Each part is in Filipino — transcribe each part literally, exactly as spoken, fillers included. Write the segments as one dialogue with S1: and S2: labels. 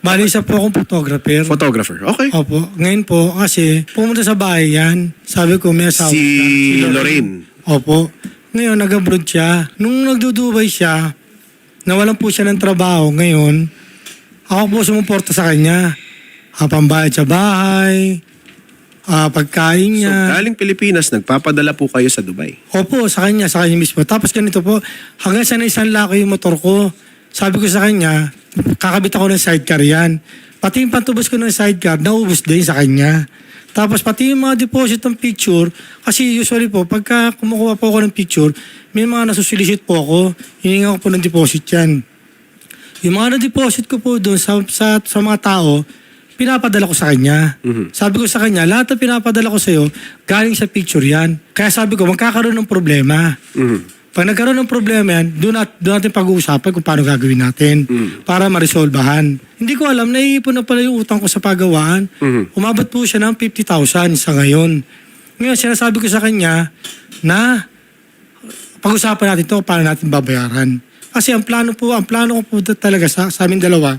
S1: Bali, isa po akong photographer.
S2: Photographer. Okay.
S1: Opo. Ngayon po, kasi pumunta sa bahay yan. Sabi ko, may asawa
S2: Si
S1: siya.
S2: Lorraine.
S1: Opo. Ngayon, nag-abroad siya. Nung nagdudubay siya, nawalan po siya ng trabaho. Ngayon, ako po sumuporta sa kanya. Ah, pambayad sa bahay, ah, pagkain
S2: So,
S1: niya.
S2: galing Pilipinas, nagpapadala po kayo sa Dubai.
S1: Opo, sa kanya, sa kanya mismo. Tapos ganito po, hanggang sa isang laki yung motor ko, sabi ko sa kanya, kakabit ako ng sidecar yan. Pati yung pantubos ko ng sidecar, naubos din sa kanya. Tapos pati yung mga deposit ng picture, kasi usually po, pagka kumukuha po ako ng picture, may mga nasusolicit po ako, hininga ko po ng deposit yan. Yung mga na-deposit ko po doon sa, sa, sa mga tao, pinapadala ko sa kanya.
S2: Mhm.
S1: Sabi ko sa kanya, lahat ng pinapadala ko sa'yo, galing sa picture yan. Kaya sabi ko, magkakaroon ng problema.
S2: Mhm.
S1: Pag nagkaroon ng problema yan, doon, nat, doon natin pag-uusapan kung paano gagawin natin
S2: Mm.
S1: para ma-resolbahan. Hindi ko alam, naiipon na pala yung utang ko sa pagawaan.
S2: Mhm.
S1: Umabot po siya ng fifty thousand sa ngayon. Ngayon, sinasabi ko sa kanya na pag-usapan natin to paano natin babayaran. Kasi ang plano po, ang plano ko po talaga sa, sa amin dalawa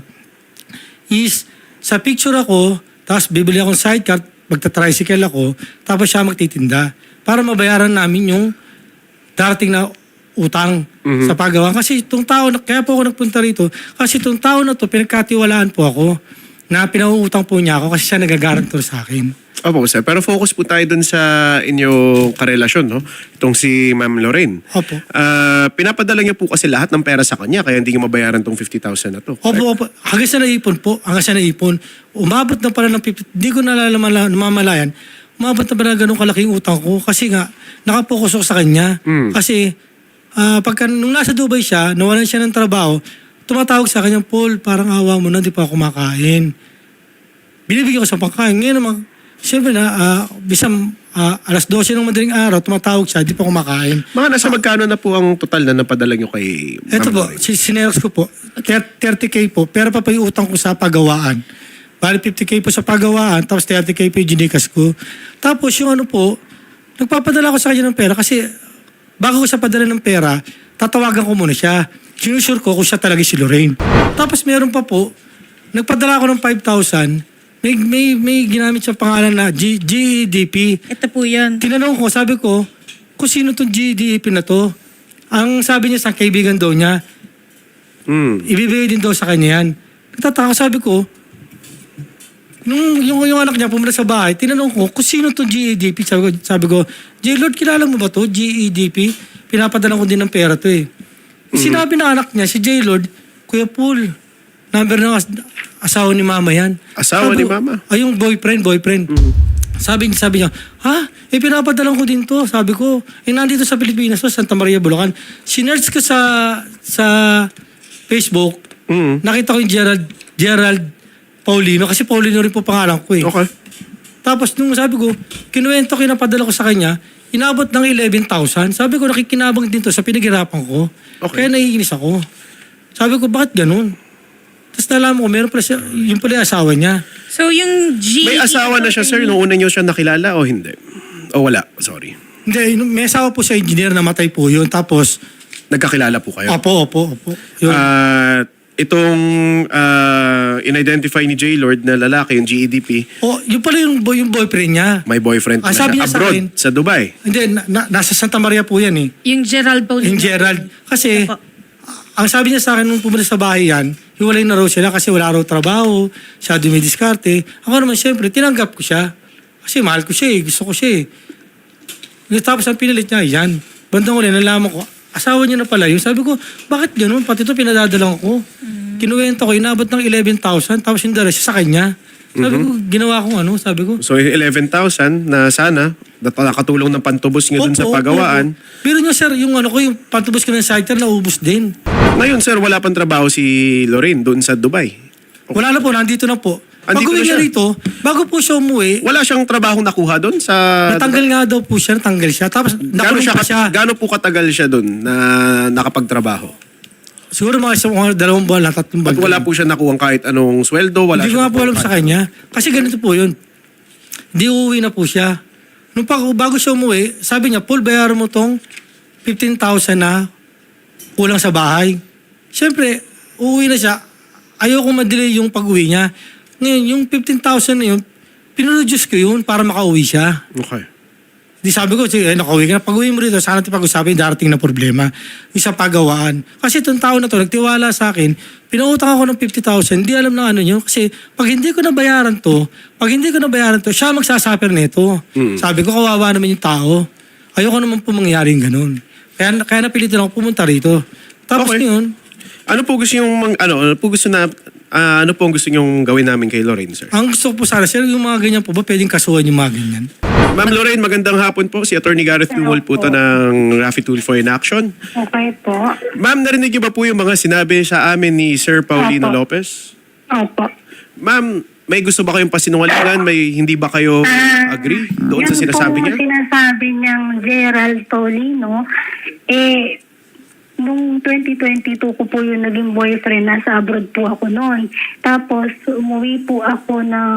S1: is sa picture ako, tapos bibili akong sidecar, magta-tricycle ako, tapos siya magtitinda para mabayaran namin yung darating na utang
S2: Mhm.
S1: sa paggawa. Kasi itong tao, na- kaya po ako nagpunta rito, kasi itong tao na to, pinagkatiwalaan po ako na pinauutang po niya ako kasi siya nagagarantor sa akin.
S2: Opo, sir. Pero focus po tayo dun sa inyong karelasyon, no? Itong si Ma'am Lorraine.
S1: Opo.
S2: Ah, pinapadala niya po kasi lahat ng pera sa kanya, kaya hindi niya mabayaran tong fifty thousand na to.
S1: Opo, opo. Hanggang sa naipon po, hanggang sa naipon, umabot na pala ng fifty, hindi ko nalalaman, namamalayan, umabot na pala ng ganun kalaking utang ko kasi nga, nakapokus ako sa kanya.
S2: Mm.
S1: Kasi, ah, pagka nung nasa Dubai siya, nawalan siya ng trabaho, tumatawag sa kanya, Paul, parang awa mo na, di pa ako kumakain. Binibigyan ko sa pagkain. Ngayon naman, siyempre na, uh, bisang ah, alas dose ng madaling araw, tumatawag siya, di pa kumakain.
S2: Mga nasa magkano na po ang total na napadala niyo kay Ma'am
S1: Ito po,
S2: Lorraine?
S1: si sineros ko po, thirty K po, pero pa pa yung utang ko sa pagawaan. Bali fifty K po sa pagawaan, tapos thirty K po yung ginikas ko. Tapos yung ano po, nagpapadala ko sa kanya ng pera kasi bago ko siya padala ng pera, tatawagan ko muna siya. Sinusure ko kung siya talaga si Lorraine. Tapos meron pa po, nagpadala ko ng five thousand, may, may, may ginamit siya pangalan na G, G E D P.
S3: Ito po yun.
S1: Tinanong ko, sabi ko, kung sino tong G E D P na to? Ang sabi niya sa kaibigan daw niya,
S2: Mm.
S1: ibibigay din daw sa kanya yan. Nagtataka, sabi ko, nung yung, yung anak niya pumunta sa bahay, tinanong ko, kung sino tong G E D P? Sabi ko, sabi ko, J-Lord, kilala mo ba to? G E D P? Pinapadala ko din ng pera to eh. Sinabi ng anak niya, si J-Lord, Kuya Paul, number ng as- asawa ni mama yan.
S2: Asawa
S1: Sabi
S2: ni
S1: ko,
S2: mama?
S1: Ay, yung boyfriend, boyfriend. Sabi, sabi niya, ha? Eh, pinapadalan ko din to. Sabi ko, eh, nandito sa Pilipinas to, Santa Maria, Bulacan. Sinerge ko sa, sa Facebook,
S2: Mm.
S1: nakita ko yung Gerald, Gerald Paulino, kasi Paulino rin po pangalan ko eh.
S2: Okay.
S1: Tapos nung sabi ko, kinuwento, kinapadala ko sa kanya, inabot ng eleven thousand. Sabi ko, nakikinabang din to sa pinaghirapan ko.
S2: Okay.
S1: Kaya naiinis ako. Sabi ko, bakit ganun? Tapos nalaman ko, meron pala siya, yung pala yung asawa niya.
S3: So yung G...
S2: May asawa na siya, sir, nung una niyo siya nakilala o hindi? O wala? Sorry.
S1: Hindi, nung- may asawa po siya, engineer, namatay po yun. Tapos,
S2: Nagkakilala po kayo?
S1: opo, opo, opo. Yun.
S2: At itong ah, in-identify ni J-Lord na lalaki, yung G E D P,
S1: oh, yun pala yung, boy, yung boyfriend niya.
S2: may boyfriend
S1: Ah,
S2: na
S1: sabi
S2: siya
S1: niya sa
S2: abroad,
S1: akin-
S2: sa Dubai.
S1: Hindi, na, na- nasa Santa Maria po yan eh.
S3: Yung Gerald Paulino.
S1: Yung Gerald. Kasi,
S3: Opo.
S1: ang sabi niya sa akin nung pumunta sa bahay yan, hiwalay na raw sila kasi wala raw trabaho, siya dumidiskarte. Ako naman siyempre, tinanggap ko siya. Kasi mahal ko siya eh, gusto ko siya eh. Tapos ang pinalit niya, yan. Bandang uli, nalaman ko, asawa niya na pala yun. Sabi ko, bakit ganun? Pati ito pinadadalang ko. Mm. Kinuwento ko, inabot ng eleven thousand, tapos yung dala siya sa kanya. Sabi ko, ginawa kong ano, sabi ko.
S2: So eleven thousand na sana, na nakatulong ng pantubos niyo dun sa
S1: opo,
S2: pagawaan.
S1: opo. Pero nyo sir, yung ano ko, yung pantubos ko ng sidecar, naubos din.
S2: Ngayon, sir, wala pang trabaho si Lorraine doon sa Dubai.
S1: Wala na po, nandito na po.
S2: Andito
S1: Pag-uwi
S2: na
S1: niya
S2: siya.
S1: rito, bago po siya umuwi,
S2: Wala siyang trabahong nakuha doon sa...
S1: natanggal nga daw po siya, natanggal siya. Tapos
S2: Gaano
S1: nakulong
S2: siya,
S1: pa siya.
S2: gaano po katagal siya doon na nakapagtrabaho?
S1: Siguro mga isang mga dalawang buwan lang, tatlong
S2: At
S1: buwan.
S2: wala po siya nakuha kahit anong sweldo? Wala
S1: Hindi ko
S2: siya
S1: nga po alam
S2: nakuhang
S1: sa kanya. Kasi ganito po yun. Hindi uuwi na po siya. Nung pag, bago siya umuwi, sabi niya, Paul, bayaran mo tong fifteen thousand na kulang sa bahay. Siyempre, uuwi na siya. ayoko ma-delay yung pag-uwi niya. Ngayon, yung fifteen thousand na yun, pinroduce ko yun para makauwi siya.
S2: Okay.
S1: Di sabi ko, sige, eh, nakauwi ka na. Pag-uwi mo rito, sana natin pag-usapin, darating na problema. Isa pagawaan. Kasi itong tao na to, nagtiwala sa akin, pinautang ako ng fifty thousand, hindi alam na ano yun. Kasi pag hindi ko nabayaran to, pag hindi ko nabayaran to, siya magsasuffer nito.
S2: Mm.
S1: Sabi ko, kawawa naman yung tao. Ayoko naman po mangyaring ganun. Kaya, kaya napilitan ako pumunta rito. Tapos
S2: Okay.
S1: yun,
S2: Ano po gusto yung mang- ano, ano po gusto na ah, ano po ang gusto niyo gawin namin kay Lorraine, sir?
S1: ang gusto ko po sana, sir, yung mga ganyan po ba, pwedeng kasuhan yung mga ganyan?
S2: Ma'am Lorraine, magandang hapon po. Si Attorney Gareth Newell po to ng Raffy Tulfo in Action.
S4: Okay po.
S2: Ma'am, narinig niyo ba po yung mga sinabi sa amin ni Sir Paulino
S4: Opo.
S2: Lopez?
S4: Opo.
S2: Ma'am, may gusto ba kayong pasinungalingan? May hindi ba kayo
S4: Ah,
S2: agree doon sa
S4: yun
S2: sinasabi
S4: po
S2: niya?
S4: sinasabi niyang Gerald Paulino, eh, nung twenty twenty-two ko po yung naging boyfriend, nasa abroad po ako noon. Tapos, umuwi po ako ng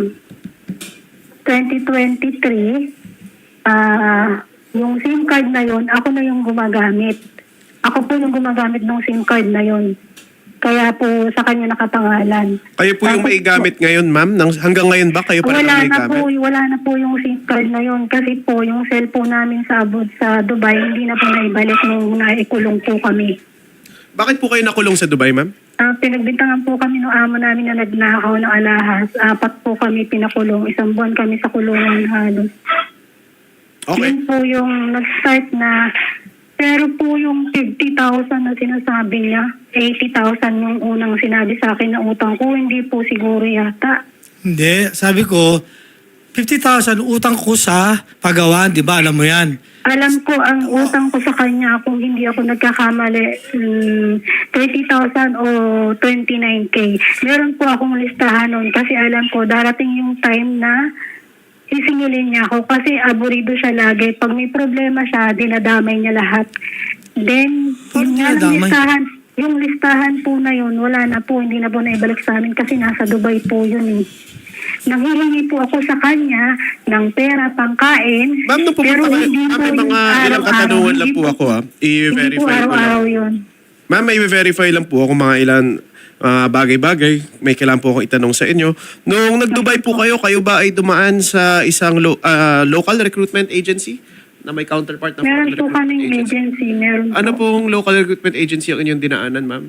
S4: twenty twenty-three, ah, yung SIM card na yon ako na yung gumagamit. Ako po yung gumagamit ng SIM card na yon. Kaya po sa kanya nakapangalan.
S2: Kayo po yung
S4: Tapos
S2: may gamit ngayon, ma'am? Nang, hanggang ngayon ba kayo pa rin
S4: Wala
S2: ang may
S4: na
S2: gamit?
S4: po, wala na po yung SIM card na yun kasi po yung cellphone namin sa abroad sa Dubai hindi na po naibalik nung naikulong po kami.
S2: Bakit po kayo nakulong sa Dubai, ma'am?
S4: Ah, pinagbintangan po kami ng amo namin na nagnakaw ng alahas. Apat po kami pinakulong. Isang buwan kami sa kulungan halos.
S2: Okay.
S4: Yun po yung nag-start na pero po yung fifty thousand na sinasabi niya, eighty thousand yung unang sinabi sa akin na utang ko, hindi po siguro yata.
S1: Hindi, sabi ko, fifty thousand utang ko sa pagawaan, di ba? Alam mo yan.
S4: Alam ko, ang utang ko sa kanya, kung hindi ako nagkakamali, um, thirty thousand o twenty-nine K. Meron po akong listahan nun kasi alam ko, darating yung time na sisingilin niya ako kasi aburido siya lagi. Pag may problema siya, dinadamay niya lahat. Then,
S1: Paano
S4: yun nga lang
S1: dinadamay?
S4: listahan, yung listahan po na yun, wala na po, hindi na po naibalik sa amin kasi nasa Dubai po yun eh. Nanghihingi po ako sa kanya ng pera pangkain.
S2: Ma'am, nung pumunta
S4: pero
S2: kayo,
S4: hindi
S2: ma'am,
S4: po
S2: may
S4: yung
S2: mga ilang
S4: araw-araw.
S2: katanungan lang
S4: Hindi
S2: po ako, ha?
S4: Hindi po
S2: I-verify ko lang.
S4: araw-araw yun.
S2: Ma'am, may verify lang po ako mga ilan ah, bagay-bagay. May kailangan po akong itanong sa inyo. Nung nag-Dubai po kayo, kayo ba ay dumaan sa isang lo- ah, local recruitment agency na may counterpart na
S4: Meron
S2: foreign
S4: po kaming
S2: recruitment
S4: agency. Meron
S2: Ano
S4: po.
S2: pong local recruitment agency ang inyong dinaanan, ma'am?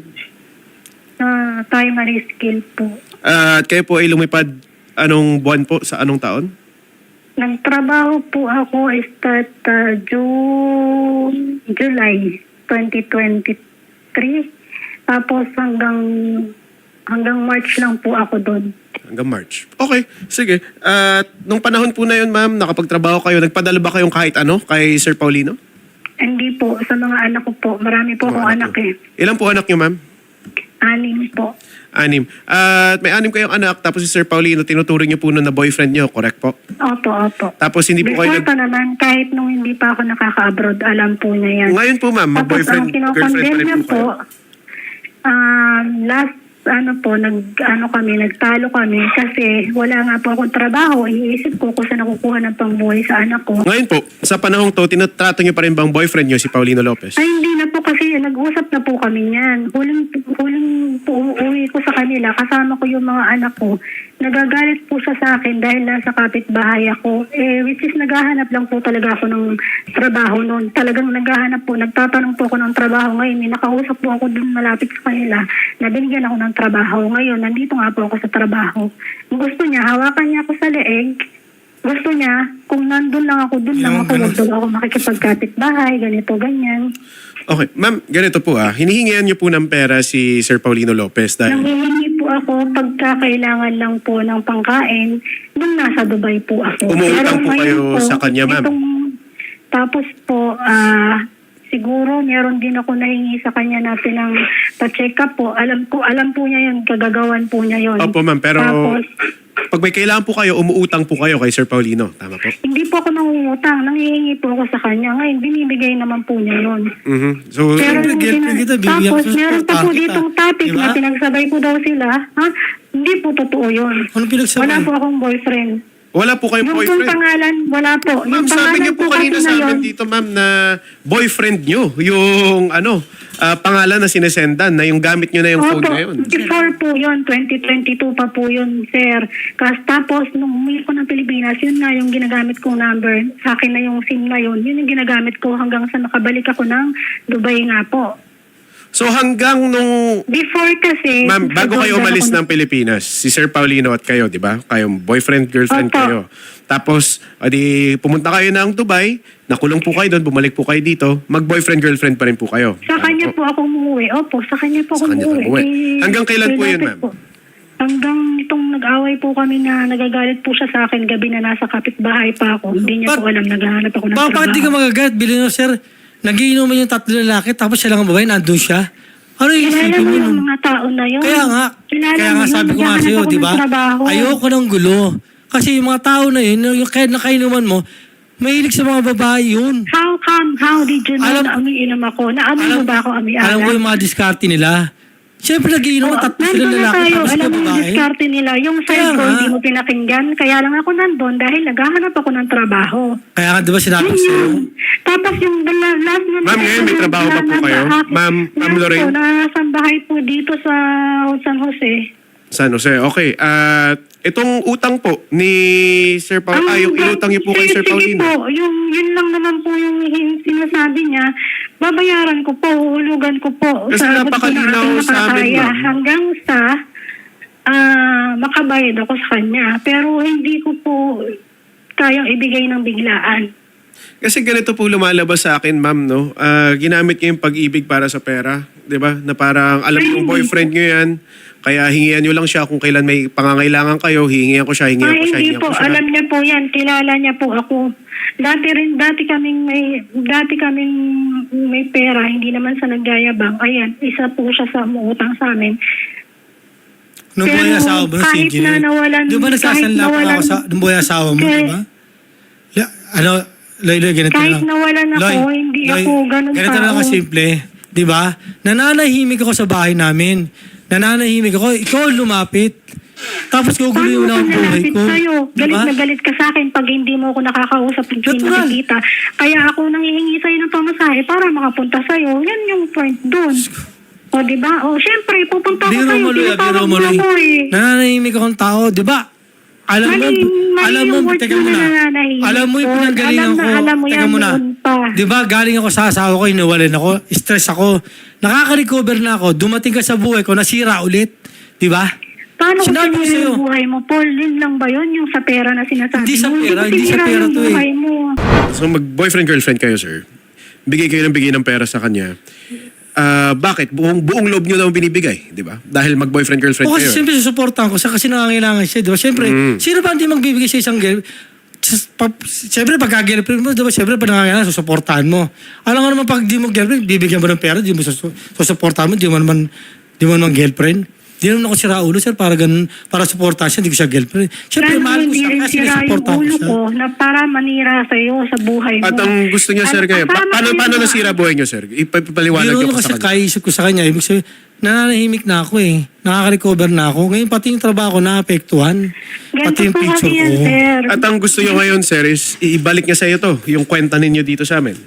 S4: Uh, primary skill po.
S2: Ah, At kayo po ay lumipad anong buwan po sa anong taon?
S4: Nagtrabaho po ako start uh, June, July twenty twenty-three. Tapos hanggang hanggang March lang po ako doon.
S2: Hanggang March. Okay, sige. At nung panahon po na yun, ma'am, nakapagtrabaho kayo, nagpadala ba kayong kahit ano kay Sir Paulino?
S4: Hindi po, sa mga anak ko po. Marami po akong anak eh.
S2: Ilan po anak niyo, ma'am?
S4: Anim po.
S2: Anim. At may anim kayong anak, tapos si Sir Paulino, tinuturing niyo po nun na boyfriend niyo, correct po?
S4: Opo, opo.
S2: Tapos hindi po kayo
S4: Before
S2: nag...
S4: pa naman, kahit nung hindi pa ako nakaka-abroad, alam po niya yan.
S2: Ngayon po, ma'am,
S4: Tapos
S2: mag-boyfriend,
S4: ang
S2: girlfriend pa
S4: kinokondemn
S2: rin
S4: niya
S2: po kayo.
S4: um, last ano po, nag, ano kami, nagtalo kami kasi wala nga po akong trabaho. Iniisip ko kung saan nakukuha ng pangbuhay sa anak ko.
S2: Ngayon po, sa panahong to, tinatrato niyo pa rin bang boyfriend niyo si Paulino Lopez?
S4: Ay, hindi na po kasi nag-usap na po kami niyan. Huling, huling po uwi ko sa kanila, kasama ko yung mga anak ko. Nagagalit po siya sa akin dahil nasa kapitbahay ako. Eh, which is naghahanap lang po talaga ako ng trabaho noon. Talagang naghahanap po, nagtatanong po ako ng trabaho ngayon. May nakausap po ako dun malapit sa kanila na binigyan ako ng trabaho. Ngayon, nandito nga po ako sa trabaho. Gusto niya, hawakan niya ako sa leeg. Gusto niya, kung nandun lang ako, dun lang
S1: Yung
S4: ako.
S1: ganun.
S4: Huwag daw ako makikipagkapitbahay, ganito, ganyan.
S2: Okay, ma'am, ganito po ah. Hinihingian niyo po ng pera si Sir Paulino Lopez dahil...
S4: Nanghihingi po ako pagka kailangan lang po ng pangkain nung nasa Dubai po ako.
S2: Umuutang po kayo
S4: ngayon
S2: sa kanya, ma'am?
S4: itong- tapos po, ah, siguro meron din ako nahingi sa kanya na pinang pa-check up po. Alam ko, alam po niya yun, kagagawan po niya yun.
S2: Opo, ma'am, pero
S4: Tapos,
S2: pag may kailangan po kayo, umuutang po kayo kay Sir Paulino. Tama po?
S4: hindi po ako nangungutang, nanghihingi po ako sa kanya. Ngayon, binibigay naman po niya yun.
S2: Mhm. So,
S4: Pero
S1: Siyempre,
S4: yung
S1: girlfriend
S4: pina-
S1: kita, bibigyan
S4: tapos
S1: ko sa
S4: meron pa po
S1: kita.
S4: ditong topic
S1: Diba?
S4: na pinagsabay ko daw sila. Ha? Hindi po totoo yun.
S1: Ano pinagsabay?
S4: Wala po akong boyfriend.
S2: Wala po kayong
S4: Yung pong
S2: boyfriend.
S4: pangalan, wala po.
S2: Ma'am,
S4: Yung
S2: sabi
S4: pangalan
S2: niyo po kanina
S4: kasi
S2: sa
S4: na yun,
S2: amin dito, ma'am, na boyfriend niyo yung ano, ah, pangalan na sinesendan, na yung gamit niyo na yung phone
S4: Opo,
S2: ngayon.
S4: before po yun, twenty twenty-two pa po yun, sir. Kas, tapos, nung umuwi ko ng Pilipinas, yun nga yung ginagamit kong number. Sa akin na yung SIM na yun. Yun yung ginagamit ko hanggang sa nakabalik ako ng Dubai nga po.
S2: So hanggang nung
S4: Before kasi...
S2: Ma'am, bago kayo
S4: nag-order
S2: umalis
S4: ako
S2: ng Pilipinas, si Sir Paulino at kayo, di ba? Kayong boyfriend, girlfriend
S4: Opo.
S2: kayo. Tapos, adi, pumunta kayo ng Dubai, nakulong po kayo doon, bumalik po kayo dito, mag-boyfriend, girlfriend pa rin po kayo.
S4: Sa kanya po ako umuwi. Opo, sa kanya po
S2: Sa
S4: ako
S2: kanya ka
S4: umuwi.
S2: umuwi.
S4: Eh,
S2: Hanggang kailan po yun,
S4: lapit
S2: ma'am?
S4: po. Hanggang itong nag-away po kami na nagagalit po siya sa akin gabi na nasa kapitbahay pa ako. Hindi niya
S1: Ba't-
S4: po alam, naghahanap ako ng
S1: Ba, bakit di ka
S4: trabaho.
S1: magagat? Bilhin mo, sir, nagiinuman yung tatlo lalaki, tapos siya lang ang babae, nandun siya. Ano yung
S4: Kilala
S1: isipin
S4: mo
S1: mo
S4: yung
S1: nun?
S4: mga tao na yun.
S1: Kaya nga,
S4: Kilala
S1: kaya
S4: mo
S1: nga
S4: yun,
S1: sabi ko nga
S4: naghahanap
S1: sa'yo,
S4: ako
S1: di
S4: ng
S1: ba?
S4: trabaho.
S1: Ayoko ng gulo. Kasi yung mga tao na yun, yung kahit nakainuman mo, mahilig sa mga babae yun.
S4: How come? How did you know
S1: Alam-
S4: na umiinom ako? Naamoy mo ba ako amianak?
S1: Alam ko yung mga diskarte nila. Siyempre, nagiinuman tatlo sila
S4: nandun na
S1: lalaki,
S4: tayo.
S1: tapos
S4: Alam
S1: ka
S4: mo yung
S1: babae.
S4: diskarte nila. Yung
S1: Kaya
S4: side ko,
S1: nga.
S4: hindi mo pinakinggan. Kaya lang ako nandun dahil naghahanap ako ng trabaho.
S1: Kaya nga, di ba sinabi ko sa'yo?
S4: Tapos yung the la- last na...
S2: Ma'am, ngayon may trabaho pa po kayo? Ma'am, Ma'am Lorraine?
S4: Last po, nasa bahay po dito sa San Jose.
S2: San Jose, okay. At itong utang po ni Sir Paul, ah, yung inutang niyo po kay Sir
S4: sige
S2: Paulino.
S4: po, yung, yun lang naman po yung hin- sinasabi niya. Babayaran ko po, uhulugan ko po.
S2: Kasi
S4: Sa abot ko na
S2: napakalinaw
S4: aking
S2: sa amin,
S4: makakaya.
S2: ma'am.
S4: Hanggang sa ah, makabayad ako sa kanya. Pero hindi ko po kayang ibigay ng biglaan.
S2: Kasi ganito po lumalabas sa akin, ma'am, no? Ah, ginamit niyo yung pag-ibig para sa pera, 'di ba? Na parang alam niyo yung boyfriend niyo 'yan, kaya hingian niyo lang siya kung kailan may pangangailangan kayo, hihingian ko siya, hingian
S4: Ay,
S2: ko siya,
S4: hindi
S2: hingian
S4: po.
S2: ko siya.
S4: Alam niya po yan. Kilala niya po ako. Dati rin, dati kaming may, dati kaming may pera. Hindi naman sa nagyayabang. Ayan, isa po siya sa umuutang sa amin.
S1: Nung
S4: Pero
S1: buhay yung asawa mo, si
S4: kahit
S1: Engineer.
S4: na nawalan-
S1: Di ba
S4: kahit
S1: nagsasanla pa
S4: nawalan-
S1: ako sa, nung buhay yung asawa mo,
S4: Kahit-
S1: di ba? La- Ano, Loy, Loy, ganito
S4: Kahit
S1: na lang.
S4: nawalan ako,
S1: Loy,
S4: hindi
S1: Loy,
S4: ako ganun
S1: ganito na lang
S4: tao.
S1: kasimple. Di ba? Nananahimik ako sa bahay namin. Nananahimik ako, ikaw ang lumapit. Tapos guguloy mo na ang buhay
S4: nalapit
S1: ko.
S4: sa'yo? Galit
S1: Diba?
S4: na galit ka sa akin pag hindi mo ako nakakausap, hindi
S1: Natural.
S4: nakikita. Kaya ako nanghihingi sa'yo ng pamasahe para makapunta sa'yo. Yan yung point doon. O, di ba? O, syempre, pupunta ako
S1: Biro
S4: sa'yo.
S1: mo, Loy,
S4: Tinatawag
S1: biro mo,
S4: mo
S1: Loy.
S4: ako eh.
S1: Nananahimik akong tao, di ba? Alam mo,
S4: Mali- mali
S1: alam mo,
S4: yung words
S1: teka
S4: mo na
S1: muna.
S4: nananahimik
S1: Alam mo yung
S4: ko.
S1: pinanggalingan
S4: Alam
S1: ko.
S4: na alam mo
S1: Teka
S4: yan
S1: muna.
S4: noon pa.
S1: Di ba, galing ako sa asawa ko, inuwalan ako, stress ako. Nakaka-recover na ako, dumating ka sa buhay ko, nasira ulit. Di ba?
S4: Paano ko
S1: Sinabi ko
S4: sinira
S1: sa'yo.
S4: yung buhay mo, Paul? Yun lang ba yun? Yung sa pera na sinasabi
S1: Hindi sa
S4: mo?
S1: pera,
S4: ko
S1: hindi sa
S4: sinira
S1: pera
S4: yung
S1: to eh.
S4: buhay mo.
S2: So mag-boyfriend girlfriend kayo, sir. Bigay kayo ng bigay ng pera sa kanya. Ah, bakit? Buong buong loob niyo naman binibigay, 'di ba? Dahil mag-boyfriend girlfriend
S1: O kasi
S2: kayo.
S1: siyempre susuportahan ko siya kasi nangangailangan siya, di ba? Siyempre,
S2: Mm.
S1: sino ba hindi magbibigay sa isang girl? Sis- pa- Siyempre, pagka girlfriend mo, di ba? Siyempre, pag nangangailangan, susuportahan mo. Alam nga naman, pag di mo girlfriend, bibigyan mo ng pera, di mo susu- susuportahan mo, di mo naman, di mo naman girlfriend. Di naman ako sira ulo, sir, para ganun, para suportahan siya, hindi ko siya girlfriend. Siyempre,
S4: Lalo
S1: mahal ko
S4: hindi
S1: siya
S4: rin
S1: kasi
S4: sira yung
S1: nasuportahan ko
S4: ulo
S1: siya.
S4: ko na para manira sa'yo sa buhay mo.
S2: At ang gusto niya, sir,
S4: Ano,
S2: kayo, pa-
S4: kasama
S2: paano,
S4: kayo
S2: paano
S4: sa-
S2: nasira buhay niyo, sir? Ipapaliwanag
S1: Biro
S2: niyo
S1: nyo
S2: po
S1: kasi
S2: sa kanya.
S1: kaisip ko sa kanya, ibig sabihin, nananahimik na ako eh. Nakaka-recover na ako. Ngayon, pati yung trabaho ko naapektuhan. Pati
S4: Ganito
S1: yung
S4: po
S1: picture
S4: kasi yan,
S1: ko.
S4: sir.
S2: At ang gusto niyo ngayon, sir, is ibalik niya sa iyo to, yung kwenta ninyo dito sa amin.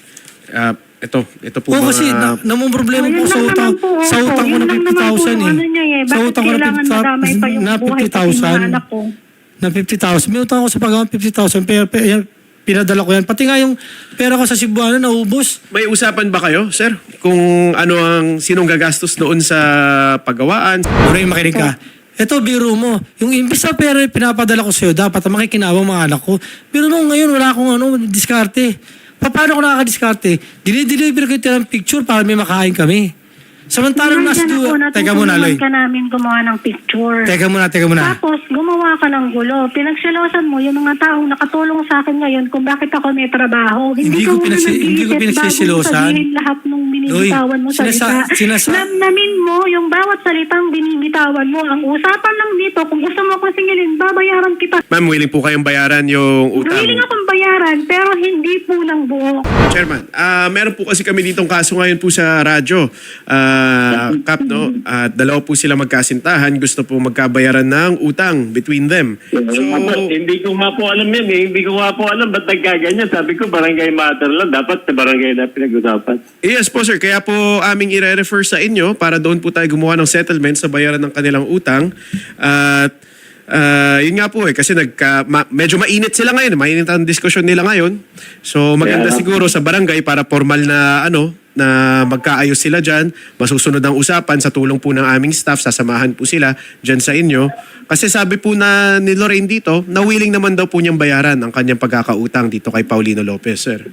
S2: Ah, ito, ito po
S1: Oo,
S2: mga...
S1: kasi na, namang problema
S4: Oh,
S1: po
S4: yun
S1: sa
S4: lang
S1: utang.
S4: naman po,
S1: Sa
S4: opo.
S1: utang ko
S4: Yun
S1: na
S4: lang
S1: fifty
S4: naman po
S1: thousand
S4: yung
S1: eh.
S4: ano niya eh.
S1: Sa
S4: Bakit
S1: utang ko na
S4: kailangan madamay pa yung
S1: na
S4: buhay
S1: fifty
S4: pati yung
S1: thousand.
S4: mga anak ko?
S1: Na fifty thousand. May utang ako sa pag fifty thousand. Pero, pero yan, pinadala ko yan. Pati nga yung pera ko sa Cebuano naubos.
S2: May usapan ba kayo, sir? Kung ano ang sinong gagastos noon sa paggawaan?
S1: Lorraine, makinig ka. Ito, biro mo. Yung imbis na pera yung pinapadala ko sa'yo, dapat ang makikinabang mga anak ko. Pero nung ngayon, wala akong ano, diskarte. Pa- Paano ko nakakadiskarte? Dinideliver ko yung picture para may makain kami. Samantalang nasa
S4: Nandyan ako,
S1: duwa. Teka muna, Loy.
S4: natutulungan ka namin gumawa ng picture.
S1: Teka muna, teka muna.
S4: Tapos, gumawa ka ng gulo. Pinagsilosan mo yung mga taong nakatulong sa akin ngayon kung bakit ako may trabaho.
S1: Hindi ko
S4: muna
S1: pinagsi- hindi ko
S4: nag-iisip
S1: pinagsisilosan.
S4: bago mo sabihin lahat ng binibitawan mo
S1: Loy,
S4: sa
S1: sinasa-
S4: salita.
S1: sinasa-
S4: Namnamin mo yung bawat salitang binibitawan mo. Ang usapan lang dito, kung gusto mo akong singilin, babayaran kita.
S2: Ma'am, willing po kayong bayaran yung utang.
S4: Willing akong bayaran, pero hindi po ng buo.
S2: Chairman, ah meron po kasi kami ditong kaso ngayon po sa radyo. Ah ah, Kap, no? At dalawa po sila magkasintahan. Gusto po magkabayaran ng utang between them.
S5: So,
S2: So,
S5: hindi ko nga po alam yan eh. Hindi ko nga po alam ba't nagkaganyan. Sabi ko barangay matter lang. Dapat sa barangay na pinag-usapan.
S2: yes po sir, kaya po aming i-refer sa inyo para doon po tayo gumawa ng settlement sa bayaran ng kanilang utang. At ah, yun nga po eh, kasi nagka, ma- medyo mainit sila ngayon. Mainit ang diskusyon nila ngayon. So maganda
S5: Yeah.
S2: siguro sa barangay para formal na ano, na magkaayos sila dyan. Masusunod ang usapan sa tulong po ng aming staff. Sasamahan po sila dyan sa inyo. Kasi sabi po na ni Lorraine dito, na willing naman daw po niyang bayaran ang kanyang pagkakautang dito kay Paulino Lopez, sir.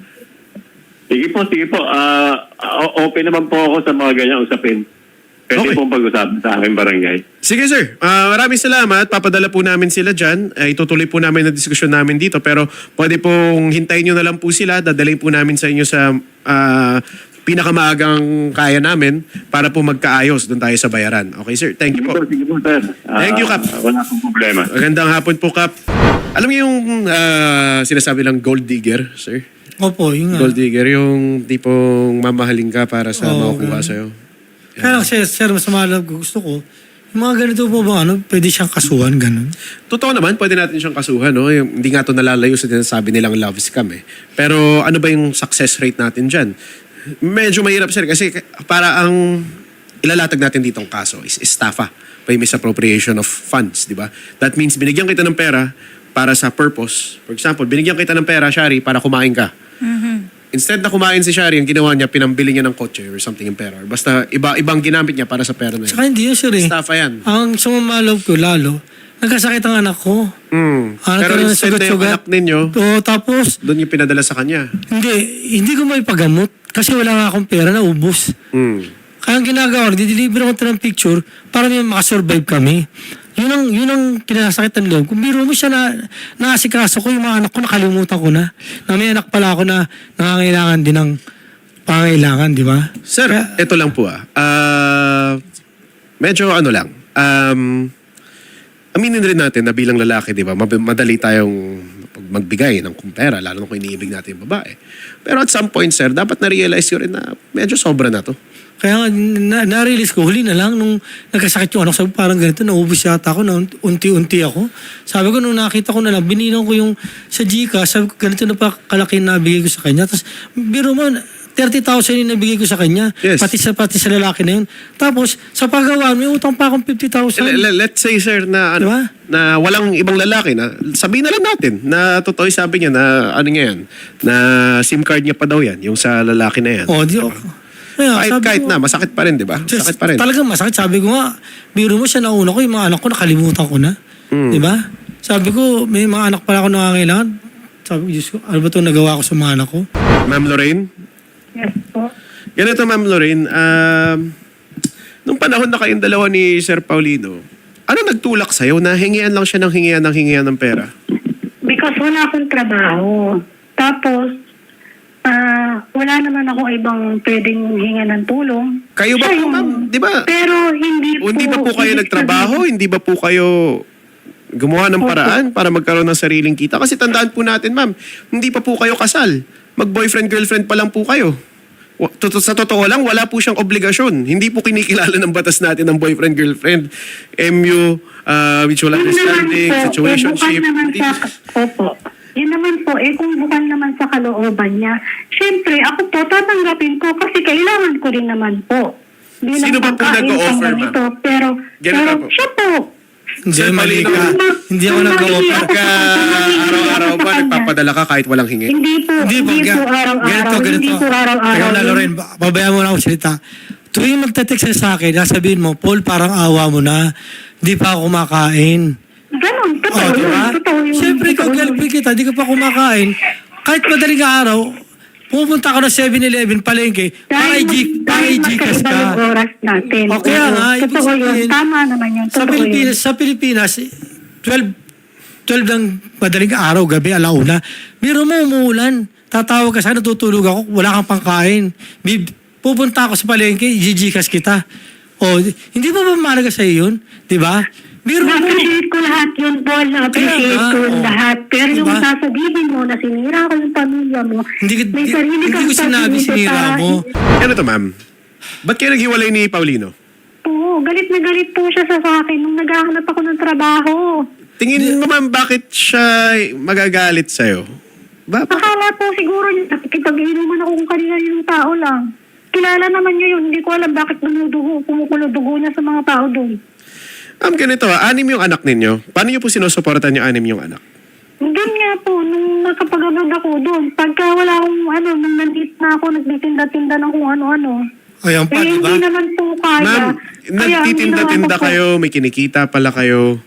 S5: Sige po, sige po. Ah, o- open naman po ako sa mga ganyang usapin. Pwede
S2: Okay.
S5: pong pag-usapan sa aking barangay.
S2: Sige sir, Ah, maraming salamat. Papadala po namin sila dyan. Uh, itutuloy po namin ang diskusyon namin dito. Pero pwede pong hintayin nyo na lang po sila. Dadalhin po namin sa inyo sa ah, pinakamaagang kaya namin para po magkaayos doon tayo sa bayaran. Okay sir, thank you
S5: Sige
S2: po.
S5: po, sige po, sir. Ah,
S2: Thank you, Kap.
S5: Wala pong problema.
S2: Magandang hapon po, Kap. Alam niyo yung ah, sinasabi lang gold digger, sir?
S1: Opo, yun nga.
S2: Gold digger, yung tipong mamahalin ka para sa
S1: Oo,
S2: makukuha
S1: ganun.
S2: sa'yo.
S1: Kaya lang, sir, sir, mas malab ko. Gusto ko, yung mga ganito po ba, ano, pwede siyang kasuhan, ganun.
S2: Totoo naman, pwede natin siyang kasuhan. No? Yung, hindi nga ito nalalayo sa sinasabi nilang love scam. Eh. Pero ano ba yung success rate natin dyan? Medyo mahirap, sir, kasi para ang ilalatag natin ditong kaso is estafa by misappropriation of funds, di ba? That means binigyan kita ng pera para sa purpose. For example, binigyan kita ng pera, Shari, para kumain ka. Instead na kumain si Shari, ang ginawa niya, pinambili niya ng kotse or something yung pera. Or basta iba, ibang ginamit niya para sa pera na yun.
S1: Saka hindi yun, sir, eh.
S2: Estafa yan.
S1: Ang sumamalaw ko lalo, nagkasakit ang anak ko.
S2: Mm.
S1: Anak
S2: Pero
S1: ko na
S2: instead na yung
S1: sugat-sugat.
S2: anak ninyo,
S1: Oo, tapos,
S2: doon yung pinadala sa kanya.
S1: hindi, hindi ko may pagamot. Kasi wala nga akong pera na ubos.
S2: Mm.
S1: Kaya ang ginagawa, dideliver ako ng picture para may makasurvive kami. Yun ang, yun ang kinasakit ng loob. Kung biro mo siya na naasikaso ko, yung mga anak ko, nakalimutan ko na. Na may anak pala ako na nangangailangan din ng pangangailangan, di ba?
S2: Sir,
S1: Kaya-
S2: ito lang po ah. Ah, medyo ano lang. Um, aminin rin natin na bilang lalaki, di ba, mab- madali tayong magbigay ng kung pera, lalo na kung iniibig natin yung babae. Pero at some point, sir, dapat na-realize ko rin na medyo sobra na to.
S1: Kaya nga, na, na-release ko, huli na lang, nung nagkasakit yung anak, sabi parang ganito, naubos yata ako, na unti-unti ako. Sabi ko, nung nakita ko na lang, binilang ko yung sa Gcash, sabi ko, ganito na pa kalaki na nabigay ko sa kanya. Tapos, biro mo, thirty thousand yung nabigay ko sa kanya.
S2: Yes.
S1: Pati sa, pati sa lalaki na yun. Tapos, sa paggawa, may utang pa akong fifty thousand.
S2: L- l- let's say, sir, na, ano,
S1: Diba?
S2: na walang ibang lalaki na sabihin na lang natin na totoo yung sabi niya na ano niya yan, na SIM card niya pa daw yan, yung sa lalaki na yan.
S1: O, di ako. Kaya,
S2: kahit,
S1: sabi
S2: kahit
S1: ko,
S2: na, masakit pa rin, di ba?
S1: Just,
S2: Masakit pa rin.
S1: Talagang masakit. Sabi ko nga, biro mo siya nauna ko, yung mga anak ko nakalimutan ko na.
S2: Mm.
S1: Di ba? Sabi ko, may mga anak pala ako nakakailangan. Sabi ko, Diyos ko, ano ba ito nagawa ko sa mga anak ko?
S2: Ma'am Lorraine?
S4: Yes po.
S2: Ganito, Ma'am Lorraine, um, nung panahon na kayong dalawa ni Sir Paulino, ano nagtulak sa'yo na hingian lang siya ng hingian ng hingian ng pera?
S4: Because wala akong trabaho. Tapos, ah wala naman ako ibang pwedeng hinga ng tulong.
S2: Kayo ba
S4: Siya
S2: po,
S4: yung-
S2: ma'am? Di ba?
S4: Pero hindi
S2: O
S4: po.
S2: hindi ba po kayo
S4: ibig
S2: nagtrabaho?
S4: sabihin-
S2: Hindi ba po kayo gumawa ng
S4: Opo.
S2: paraan para magkaroon ng sariling kita? Kasi tandaan po natin, ma'am, hindi pa po kayo kasal. Mag-boyfriend-girlfriend pa lang po kayo. Wa- tot- Sa totoo lang, wala po siyang obligasyon. Hindi po kinikilala ng batas natin ng boyfriend-girlfriend. M U, uh, mutual
S4: Yun naman
S2: understanding,
S4: po,
S2: situationship.
S4: Eh, bukan naman
S2: Hindi-
S4: sa, opo. Yun naman po, eh kung bukan naman sa kalooban niya, syempre ako po tatanggapin ko kasi kailangan ko rin naman po. Bilang
S2: Sino ba po
S4: pagkain,
S2: nag-o-offer,
S4: pang
S2: ma'am?
S4: ganito. Pero,
S2: Ganito
S4: pero
S2: po.
S4: siya po.
S1: Hindi,
S2: Sir
S1: mali
S2: Palino,
S1: ka. Hindi ako
S4: kung
S1: nag-offer.
S4: nakikita
S2: Pagka araw-araw ba nagpapadala ka kahit walang hingi?
S4: Hindi po,
S1: Hindi
S4: hindi,
S1: po,
S4: po
S1: ga-
S4: araw-araw.
S1: ganito, ganito.
S4: Hindi po araw-araw.
S1: Teka na, Loren, ba- babayaan mo na ako salita. Tuwing magte-text ka sa akin, nasabihin mo, Paul, parang awa mo na. Di pa ako kumakain.
S4: Ganon, totoo
S1: Oh, di
S4: yun.
S1: ba?
S4: Totoo yun.
S1: Siyempre, ikaw
S4: Totoo yun.
S1: girlfriend kita, di ka pa kumakain. Kahit madaling araw, pupunta ka na seven eleven, palengke, para
S4: Dahil,
S1: i- para
S4: dahil
S1: i-Gcash
S4: magkaiba
S1: ka.
S4: yung oras natin.
S1: O kaya
S4: Oo,
S1: nga, ibig
S4: totoo yun.
S1: sabihin,
S4: Tama naman yun.
S1: Sa
S4: Totoo
S1: Pilipinas,
S4: yun.
S1: sa Pilipinas, twelve, twelve ng madaling araw, gabi, alauna. Biro mo, umuulan. Tatawag ka sa akin, natutulog ako, wala kang pangkain. Bib- Pupunta ako sa palengke, i-Gcash kita. O, hindi ba ba mahalaga sa'yo yun? Di ba? Biro mo.
S4: Na-appreciate ko lahat yun, Paul. Na-appreciate
S1: Kaya nga,
S4: ko
S1: oo.
S4: lahat. Pero yung
S1: Diba?
S4: sasabihin mo na sinira ko yung pamilya mo,
S1: Hindi,
S4: may
S1: hindi,
S4: sarili
S1: hindi
S4: kang
S1: ko sinabi
S4: pag-iisip
S1: sinira
S4: para-
S1: mo.
S2: Ganito, ma'am. Ba't kayo naghiwalay ni Paulino?
S4: Oo, galit na galit po siya sa akin nung naghahanap ako ng trabaho.
S2: Tingin mo ma'am, bakit siya magagalit sa'yo? Ba, ba-
S4: Akala po siguro niya, nakikipag-inuman ako kung kanina yung tao lang. Kilala naman niya yun, hindi ko alam bakit nanudugo, kumukulo dugo niya sa mga tao doon.
S2: Ma'am, ganito ah, anim yung anak ninyo. Paano niyo po sinusuportan yung anim yung anak?
S4: Doon nga po, nung nakapag-abroad ako doon, pagka wala akong ano, nung nandit na ako, nagtitinda-tinda ng kung ano-ano.
S1: Ayan pa,
S4: Eh,
S1: di ba?
S4: hindi naman po kaya.
S2: Ma'am,
S4: Kaya,
S2: nagtitinda-tinda
S4: hindi naman
S2: kayo, may kinikita pala kayo.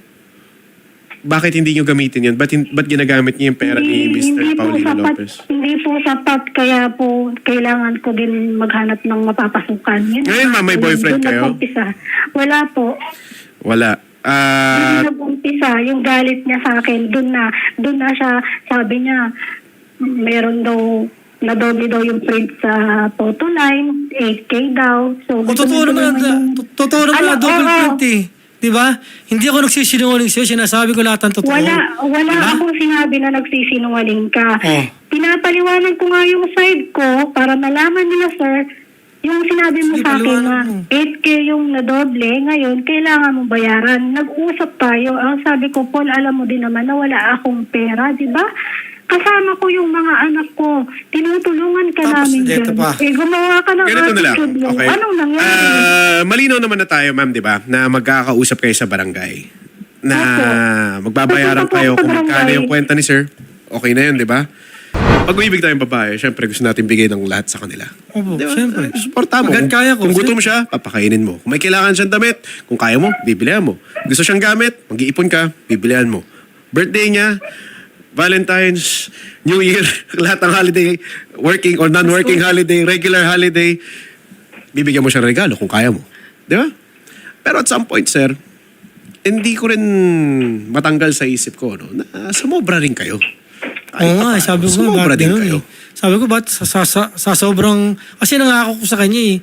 S2: Bakit hindi nyo gamitin yun? Ba't, hin- ba't ginagamit niyo yung pera ni
S4: Hindi-
S2: Mister
S4: hindi po
S2: Paulino
S4: sapat,
S2: Lopez?
S4: Hindi po sapat, kaya po kailangan ko din maghanap ng mapapasukan. Yun,
S2: Ngayon, ma'am, may
S4: doon-
S2: boyfriend
S4: doon
S2: kayo?
S4: nag-umpisa. Wala po.
S2: Wala. Ah,
S4: Doon nag-umpisa, yung galit niya sa akin, doon na, doon na siya, sabi niya, meron daw, nadoble daw yung print sa photo line, eight K daw. So,
S1: O,
S4: gusto
S1: totoo
S4: niya
S1: naman,
S4: naman yung-
S1: to- totoo naman
S4: Ano,
S1: na double
S4: oo.
S1: print eh. Di ba? Hindi ako nagsisinungaling sa'yo, sinasabi ko lahat ng totoo.
S4: Wala, wala
S1: Diba?
S4: akong sinabi na nagsisinungaling ka.
S1: Oh.
S4: Pinapaliwanag ko nga yung side ko para malaman nila, sir, yung sinabi mo
S1: Sige,
S4: sa akin
S1: paliwanag
S4: na
S1: mo.
S4: eight K yung nadoble, ngayon kailangan mo bayaran. Nag-usap tayo. Ang sabi ko, Paul, alam mo din naman na wala akong pera, di ba? Kasama ko yung mga anak ko. Tinutulungan ka
S1: Tapos,
S4: namin
S1: dito
S4: dyan.
S1: pa.
S4: Eh, gumawa ka ng
S2: ganito na lang.
S4: attitude mo.
S2: Okay.
S4: Anong nangyari?
S2: Ah, malinaw naman na tayo, ma'am, di ba? Na magkakausap kayo sa barangay. Na magbabayaran
S4: Pupunta po
S2: kayo
S4: ako sa
S2: kung magkano
S4: barangay.
S2: yung kwenta ni sir. Okay na yun, di ba? Pag uibig tayong babae, syempre gusto natin bigay ng lahat sa kanila.
S1: Opo,
S2: Di ba?
S1: syempre.
S2: Suporta mo.
S1: Hanggat
S2: Kung,
S1: kaya ko,
S2: kung
S1: sir.
S2: gutom siya, papakainin mo. Kung may kailangan siyang damit, kung kaya mo, bibilihan mo. Gusto siyang gamit, mag-iipon ka, bibilihan mo. Birthday niya, Valentine's, New Year, lahat ng holiday, working or non-working holiday, regular holiday, bibigyan mo siya ng regalo kung kaya mo. Di ba? Pero at some point, sir, hindi ko rin matanggal sa isip ko no, na sumobra rin kayo.
S1: Oo nga, eh, sabi ko nga,
S2: sumobra
S1: bakit
S2: din
S1: ganun
S2: kayo.
S1: eh. Sabi ko, ba't sa, sa, sa, sa sobrang, kasi nangako ko sa kanya eh,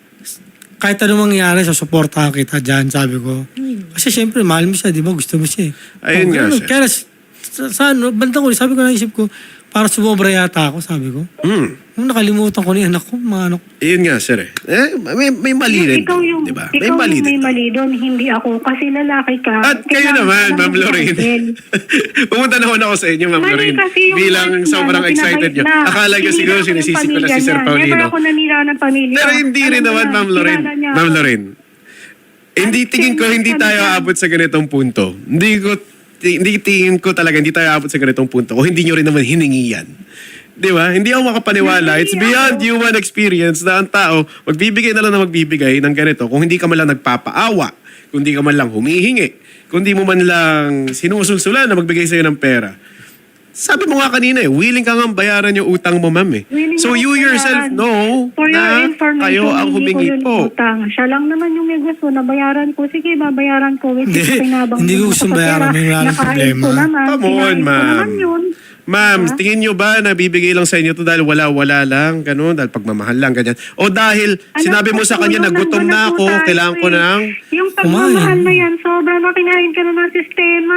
S1: kahit anong mangyari, susuportahan kita dyan, sabi ko. Kasi syempre, mahal mo siya, di ba? Gusto mo siya eh.
S2: Ayun
S1: Oh,
S2: nga,
S1: ganun.
S2: sir.
S1: Kaya sa, sa ano, bandang ko, sabi ko na isip ko, para sumobra yata ako, sabi ko.
S2: Hmm.
S1: Nung nakalimutan ko na yung anak ko, mga anak ko.
S2: Ayun nga, sir. Eh. Eh, may, may mali rin.
S4: Ikaw yung,
S2: Di ba? May
S4: ikaw
S2: mali
S4: yung may
S2: din.
S4: mali doon, hindi ako. Kasi lalaki ka.
S2: At kayo
S4: Kailangan
S2: naman,
S4: ka
S2: Ma'am
S4: ng
S2: Lorraine.
S4: handle.
S2: Pumunta naman ako sa inyo, Ma'am
S4: Mali
S2: Lorraine.
S4: kasi yung
S2: Bilang
S4: words na
S2: sobrang
S4: na
S2: excited nyo.
S4: pinabay- na
S2: Akala nyo siguro
S4: sinira ko yung
S2: sinisisi ko na si
S4: pamilya
S2: Sir
S4: niya.
S2: Paulino.
S4: Never ako nanira ng pamilya.
S2: Pero hindi rin
S4: Alam mo
S2: naman,
S4: yan,
S2: Ma'am Lorraine.
S4: kilala niya
S2: Ma'am
S4: ako.
S2: Lorraine. Hindi tingin ko hindi tayo aabot sa ganitong punto. Hindi ko ti- hindi tingin ko talaga hindi tayo aabot sa ganitong punto. O hindi nyo rin naman hiningi yan. Di ba? Hindi ako makapaniwala. It's beyond human experience na ang tao magbibigay na lang na magbibigay ng ganito kung hindi ka man lang nagpapaawa, kung hindi ka man lang humihingi, kung hindi mo man lang sinusulsulan na magbigay sa'yo ng pera. Sabi mo nga kanina eh, willing ka nga bayaran yung utang mo, ma'am eh.
S4: Willing
S2: So
S4: ako
S2: you yourself
S4: bayaran.
S2: know
S4: For your
S2: na
S4: information,
S2: kayo ang
S4: hindi ko
S2: humingi
S4: yun
S2: po.
S4: utang. Siya lang naman yung may gusto na bayaran ko. Sige, babayaran ko. Which
S1: Hindi,
S4: is pinabang
S1: hindi ko
S4: ko
S1: gustong
S4: sa
S1: bayaran.
S4: pera.
S1: May maraming
S4: Nakaayos
S1: problema.
S4: ko naman.
S2: Come on,
S4: Pinayos ko
S2: ma'am.
S4: naman yun.
S2: Ma'am,
S4: Diba?
S2: tingin nyo ba na bibigay lang sa inyo to dahil wala-wala lang, ganun, dahil pagmamahal lang, ganyan? O dahil
S4: Alam
S2: sinabi
S4: ko
S2: mo sa
S4: po
S2: kanya
S4: yun,
S2: na gutom
S4: nandun
S2: na
S4: po
S2: ako,
S4: tayo
S2: kailangan ko
S4: eh.
S2: ng...
S4: Yung pagmamahal na yan, sobrang na kinain ka na ng sistema.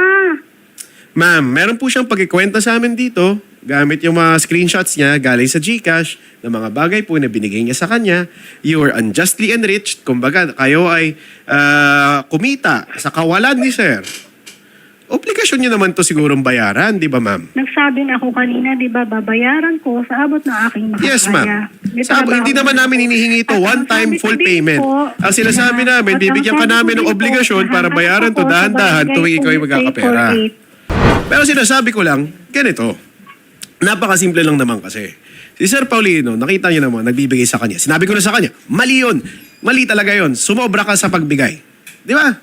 S2: Ma'am, meron po siyang pagkikwenta sa amin dito, gamit yung mga screenshots niya galing sa GCash ng mga bagay po na binigay niya sa kanya. You were unjustly enriched. Kumbaga, kayo ay ah, kumita sa kawalan ni sir. Obligasyon niyo naman to sigurong bayaran, di ba ma'am?
S4: Nagsabi na ako kanina, di ba, babayaran ko sa abot ng aking makakaya.
S2: Yes, ma'am.
S4: May
S2: Sabi,
S4: trabaho
S2: hindi naman
S4: na
S2: namin
S4: ako.
S2: hinihingi ito,
S4: At ang
S2: one-time
S4: sabi ko
S2: full
S4: din
S2: payment.
S4: po,
S2: Ang sinasabi
S4: na-
S2: namin,
S4: at ang
S2: bibigyan ka
S4: sabi ko
S2: namin ng
S4: din po,
S2: obligasyon para
S4: hahanap
S2: bayaran to
S4: ako sa
S2: dahan-dahan
S4: barangay
S2: tuwing ikaw ay
S4: kung
S2: magkakapera.
S4: three four eight.
S2: Pero sinasabi ko lang, ganito. Napakasimple lang naman kasi. Si Sir Paulino, nakita niyo naman, nagbibigay sa kanya. Sinabi ko na sa kanya, mali yun. Mali talaga yun. Sumobra ka sa pagbigay. Di ba?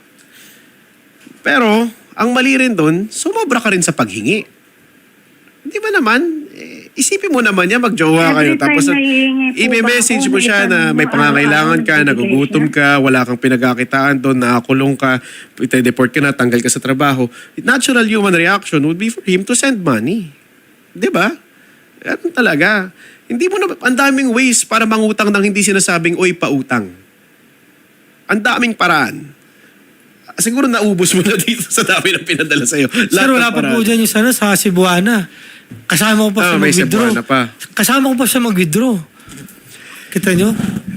S2: Pero, ang mali rin doon, sumobra ka rin sa paghingi. Di ba naman? Eh, isipin mo naman niya, magjowa kayo.
S4: Every
S2: Tapos,
S4: time nahihingi po
S2: i-message
S4: ba
S2: mo
S4: ako,
S2: siya
S4: may
S2: na may
S4: tanong,
S2: pangangailangan ka,
S4: araw-araw
S2: nagugutom
S4: nagbibigay
S2: ka, wala kang pinagkakitaan doon, nakakulong ka, ite-deport ka na, tanggal ka sa trabaho. Natural human reaction would be for him to send money. Di ba? Ganun talaga. Hindi mo na, ang daming ways para mangutang nang hindi sinasabing, oy, pautang. Ang daming paraan. Siguro naubos mo na dito sa dami ng pinadala sa'yo.
S1: Sir, wala pa po dyan yung sana sa Cebuana. Kasama ko pa
S2: Ah,
S1: siya
S2: may
S1: mag-withdraw.
S2: Cebuana pa.
S1: Kasama ko pa siya mag-withdraw. Kita nyo?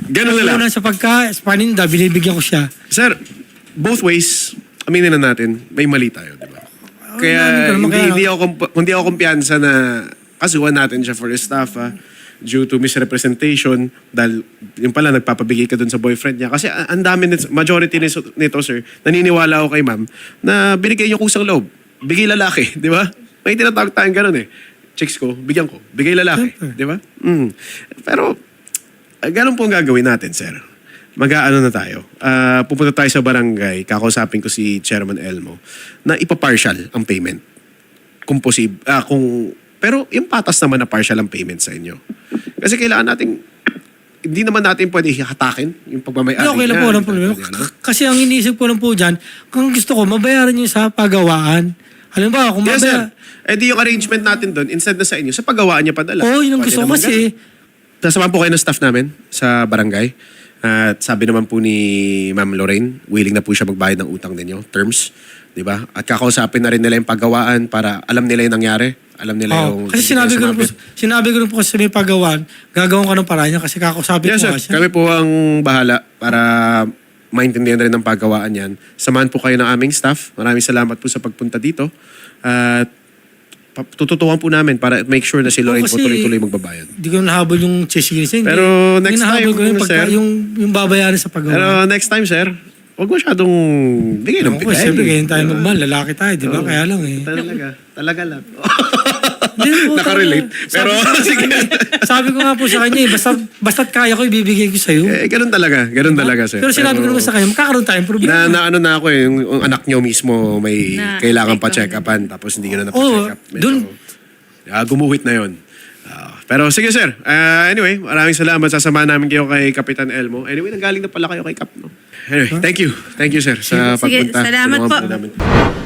S2: Ganun na lang.
S1: Una sa pagka, sa paninda, binibigyan ko siya.
S2: Sir, both ways, aminin na natin, may mali tayo, di ba?
S1: namin ko
S2: Kaya
S1: naman,
S2: hindi,
S1: kaya-
S2: hindi, ako, kump- hindi ako kumpiyansa na kasuhan natin siya for staff ah, due to misrepresentation dahil yung pala nagpapabigay ka dun sa boyfriend niya. Kasi ah, ang dami, nito, majority nito, nito, sir, naniniwala ako kay ma'am na binigay niyo kusang loob. Bigay lalaki, di ba? May tinatawag tayong ganun eh. Chicks ko, bigyan ko. Bigay lalaki, di ba? Mm. Pero, ah, ganun po ang gagawin natin, sir. Mag-aano na tayo. Ah, pupunta tayo sa barangay, kakausapin ko si Chairman Elmo, na ipa-partial ang payment. Kung posib, ah, kung, pero yung patas naman na partial ang payment sa inyo. Kasi kailangan nating, hindi naman natin pwede hatakin yung pagmamayari.
S1: Hindi, okay lang po,
S2: niya.
S1: walang problema. K- Kasi ang iniisip ko lang po dyan, kung gusto ko, mabayaran nyo sa pagawaan. Halimbawa, kung
S2: Yes, sir.
S1: mabaya...
S2: Eh di yung arrangement natin doon, instead na sa inyo, sa paggawaan niya padala.
S1: Oo, yun ang
S2: Pwede
S1: gusto ko
S2: naman
S1: kasi.
S2: ganun. Sasamahan po kayo ng staff namin sa barangay. At sabi naman po ni Ma'am Lorraine, willing na po siya magbayad ng utang ninyo, terms. Di ba? At kakausapin na rin nila yung paggawaan para alam nila yung nangyari. Alam nila
S1: Oo,
S2: yung...
S1: kasi sinabi ko, rin po,
S2: sumabit.
S1: sinabi ko rin po kasi sa may pagawaan, gagawin ko ng paraan niya kasi kakusapin
S2: Yes,
S1: ko
S2: sir.
S1: nga siya.
S2: Kami po ang bahala para maintindihan rin ng paggawaan yan. Samahan po kayo ng aming staff. Maraming salamat po sa pagpunta dito. At pa- tututukan po namin para make sure na si Lorraine po
S1: kasi-
S2: tuloy-tuloy magbabayad.
S1: Hindi ko nahabol yung chesinis. Hindi.
S2: Pero next
S1: Yung nahabol
S2: time,
S1: ko yung, pagka,
S2: sir.
S1: yung, yung babayaran sa pagawaan.
S2: Pero next time, sir, huwag masyadong bigay ng
S1: Ako,
S2: bigay.
S1: siyempre, ganyan tayo magmahal. Lalaki tayo, di ba?
S2: Oo.
S1: Kaya lang eh.
S2: Talaga. Talaga lang.
S1: Hindi po,
S2: Nakarelate.
S1: talaga.
S2: Pero,
S1: Sabi ko-
S2: sige.
S1: Sabi ko nga po sa kanya eh, basta, basta't kaya ko, ibibigay ko sa'yo.
S2: Eh, ganun talaga. Ganun talaga, sir.
S1: Pero sinabi ko naman sa kanya, magkakaroon tayong problema.
S2: Na, na ano na ako eh, yung, yung anak nyo mismo may
S3: Na-
S2: kailangan pa
S3: ikaw.
S2: check upan tapos hindi ko na
S1: Oo,
S2: pa-check up. Medyo,
S1: dun-
S2: ah, gumuhit na yon. Ah, pero sige sir, Ah, anyway, maraming salamat. Sasamahan namin kayo kay Kapitan Elmo. Anyway, nanggaling na pala kayo kay Kap. No? Anyway, thank you. Thank you sir sa
S3: Sige,
S2: pagpunta.
S3: salamat
S2: Tulungan
S3: po.
S2: namin.